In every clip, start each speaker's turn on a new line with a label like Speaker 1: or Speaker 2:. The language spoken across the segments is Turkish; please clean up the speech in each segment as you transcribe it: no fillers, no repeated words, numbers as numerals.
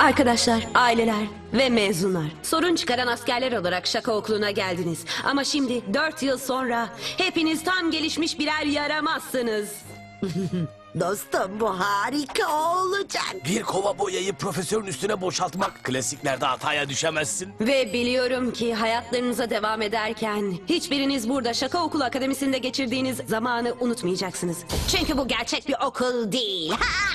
Speaker 1: Arkadaşlar, aileler ve mezunlar. Sorun çıkaran askerler olarak şaka okuluna geldiniz. Ama şimdi 4 yıl sonra hepiniz tam gelişmiş birer yaramazsınız.
Speaker 2: Dostum bu harika olacak.
Speaker 3: Bir kova boyayı profesörün üstüne boşaltmak. Klasiklerde hataya düşemezsin.
Speaker 1: Ve biliyorum ki hayatlarınıza devam ederken hiçbiriniz burada şaka okulu akademisinde geçirdiğiniz zamanı unutmayacaksınız. Çünkü bu gerçek bir okul değil.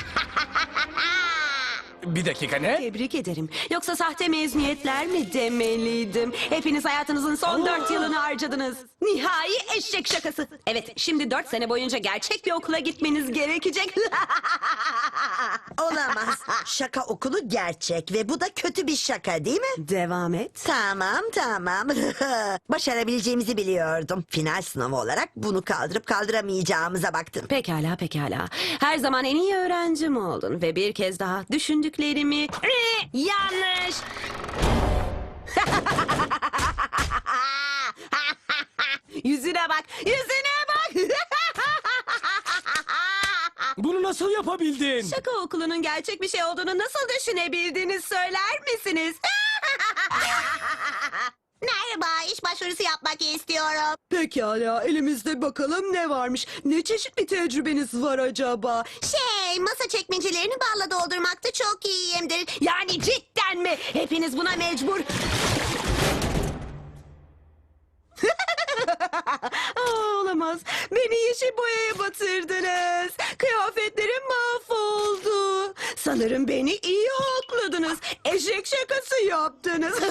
Speaker 3: Bir dakika ne?
Speaker 1: Tebrik ederim. Yoksa sahte mezuniyetler mi demeliydim? Hepiniz hayatınızın son 4 yılını harcadınız. Nihai eşek şakası. Evet, şimdi 4 sene boyunca gerçek bir okula gitmeniz gerekecek.
Speaker 2: Olamaz. Şaka okulu gerçek ve bu da kötü bir şaka değil mi?
Speaker 1: Devam et.
Speaker 2: Tamam. Başarabileceğimizi biliyordum. Final sınavı olarak bunu kaldırıp kaldıramayacağımıza baktım.
Speaker 1: Pekala. Her zaman en iyi öğrencim oldun ve bir kez daha düşündüklerimi... Yanlış! Yüzüne bak!
Speaker 3: Bunu nasıl yapabildin?
Speaker 1: Şaka okulunun gerçek bir şey olduğunu nasıl düşünebildiğini söyler misiniz?
Speaker 4: Merhaba, iş başvurusu yapmak istiyorum.
Speaker 1: Pekala, elimizde bakalım ne varmış. Ne çeşit bir tecrübeniz var acaba?
Speaker 4: Masa çekmecelerini balla doldurmakta çok iyiyimdir.
Speaker 1: Yani cidden mi? Hepiniz buna mecbur... Olamaz. Beni yeşil boyaya batırdınız. Kıyafetlerim mahvoldu. Sanırım beni iyi hakladınız. Eşek şakası yaptınız.